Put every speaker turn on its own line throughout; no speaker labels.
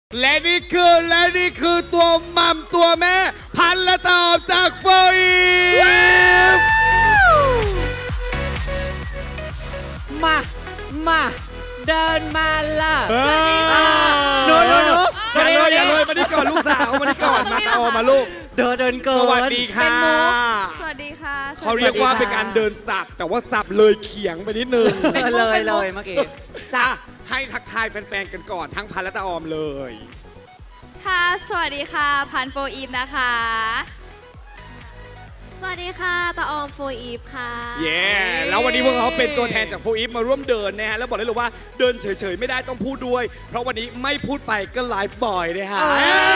และนี่คือตัวมัมตัวแม่พันและตอบจากโฟอีฟ
มาเดินมาล่ะ
หนูอย่าเลยมานี่ก่อนลูกสาวมานี่ก่อนมาตาอมาลูก
เดินเกิน
สวัสดีค่ะ
สวัสดีค่ะ
เขาเรียกว่าเป็นการเดินสับแต่ว่าสับเลยเขียงไปนิดนึง
เลยเมื่อกี้
จ้าให้ทักทายแฟนๆกันก่อนทั้งพันและตาออมเลย
ค่ะสวัสดีค่ะพันโฟอีฟนะคะ
สวัสดีค่ะตาออมโฟอีฟค่ะ
เย้แล้ววันนี้พวกเขาเป็นตัวแทนจากโฟอีฟมาร่วมเดินนะฮะแล้วบอกได้เลยว่าเดินเฉยๆไม่ได้ต้องพูดด้วย เพราะวันนี้ไม่พูดไปก็ไลฟ์บ่อยนะฮะ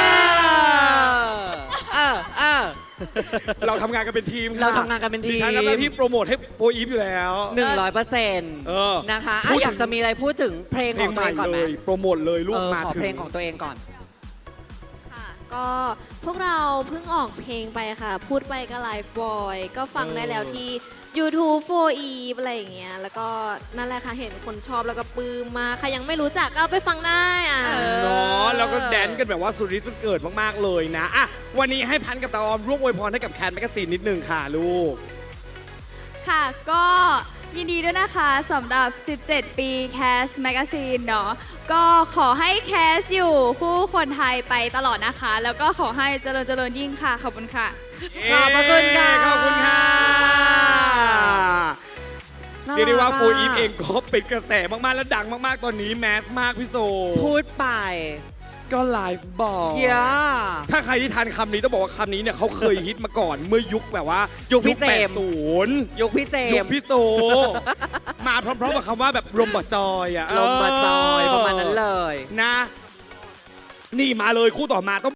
เราทำงานกันเป็นทีม
เราทำงานกันเป็นทีม
ดิฉันทำหน้าที่โปรโมทให้โฟอีฟอยู่แล้ว
100%นะคะ
พูดถึง
อยากจะมีอะไรพูดถึงเพลง
เพล
ของ ง
ให
ตัว
ม่
เองก่อน
เล
ไหม
ยโปรโมทเลยลูกมา
ขอ
ถึง
เพลงของตัวเองก่อน
ค่ะ ก็พวกเราเพิ่งออกเพลงไปค่ะ พูดไปก็ไลฟ์บอยก็ฟังได้แล้วที่ YouTube โฟอีฟอะไรอย่างเงี้ยแล้วก็นั่นแหละค่ะเห็นคนชอบแล้วก็ปลื้มมากใครยังไม่รู้จักก็เอาไปฟังได้อ่ะ
เนาะแล้วก็แดนกันแบบว่าสุดฤทธิ์สุดเกิดมากๆเลยนะอ่ะวันนี้ให้พันกับตาออมร่วมอวยพรให้กับแคนแมกกาซีนนิดนึงค่ะลูก
ค่ะก็ยินดีด้วยนะคะสำหรับ 17 ปีแคสแมกซีนเนาะก็ขอให้แคสอยู่คู่คนไทยไปตลอดนะคะ แล้วก็ขอให้เจริญยิ่งค่ะ ขอบคุณค่ะ
ขอบพระคุณค่ะ
ขอบคุณค่ะเรียกได้ว่าโฟอีฟเองก็เป็นกระแสมากๆและดังมากๆตอนนี้แมสมากพี่โซ
พูดไป
ก็ไลฟ์บอก
ย่า
ถ้าใครที่ทานคำนี้ต้องบอกว่าคำนี้เนี่ยเขาเคยฮิตมาก่อนเมื่อยุคแบบว่า
ยุคพี่เจมส์
80
ยุคพี่เจ
ยุ
ม
ค
ส์
พี่โซ มาพร้อมๆกับคำว่าแบบลมบะจอยอ่ะ
ลมบาจอยประมาณนั้นเลย
นะ นี่มาเลยคู่ต่อมาต้อง